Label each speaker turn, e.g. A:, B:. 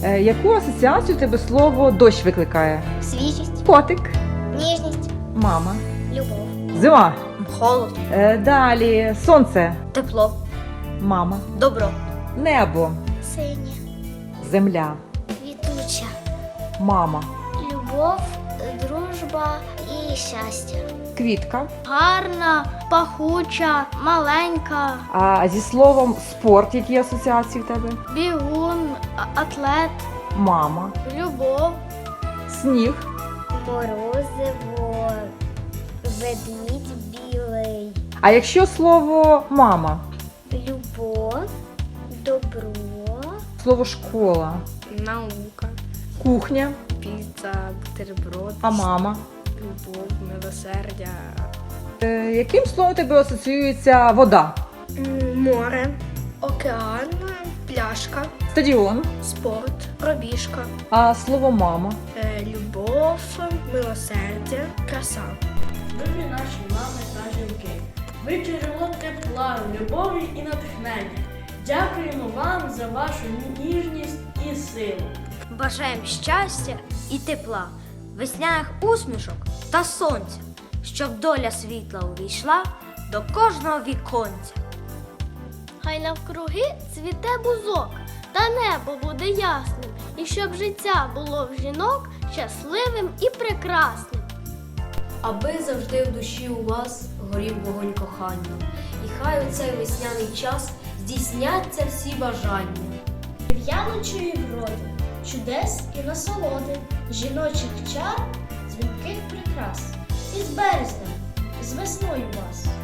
A: Яку асоціацію в тебе слово дощ викликає?
B: Свіжість,
A: Котик.
B: ніжність,
A: Мама.
B: любов,
A: Зима.
B: холод,
A: Далі сонце.
B: тепло,
A: Мама.
B: добро,
A: Небо.
B: синє,
A: Земля.
B: квітуча,
A: Мама.
B: любов, дружба і щастя.
A: Квітка.
B: Гарна, пахуча, маленька,
A: А зі словом спорт, які асоціації в тебе?
B: бігун, атлет,
A: Мама.
B: любов,
A: Сніг.
B: морозиво, ведмідь білий,
A: А якщо слово мама?
B: любов, добро,
A: Слово школа.
C: Наука,
A: Кухня.
C: піца, бутерброд,
A: А мама?
C: любов, милосердя,
A: Яким словом у тебе асоціюється вода?
C: море, океан, пляшка,
A: Стадіон.
C: спорт, пробіжка,
A: А слово мама?
C: любов, милосердя, краса.
D: Любі наші мами та жінки, ви джерело тепла, любові і натхнення. Дякуємо вам за вашу ніжність і силу.
E: Бажаємо щастя і тепла, весняних усмішок та сонця, щоб доля світла увійшла до кожного віконця.
B: Хай навкруги цвіте бузок, та небо буде ясним, і щоб життя було в жінок щасливим і прекрасним.
F: Аби завжди в душі у вас горів вогонь кохання, і хай у цей весняний час здійсняться всі бажання.
G: В'яночої вроди, чудес і насолоди, жіночих чар, дзвінких прикрас. І з березнем, з весною вас.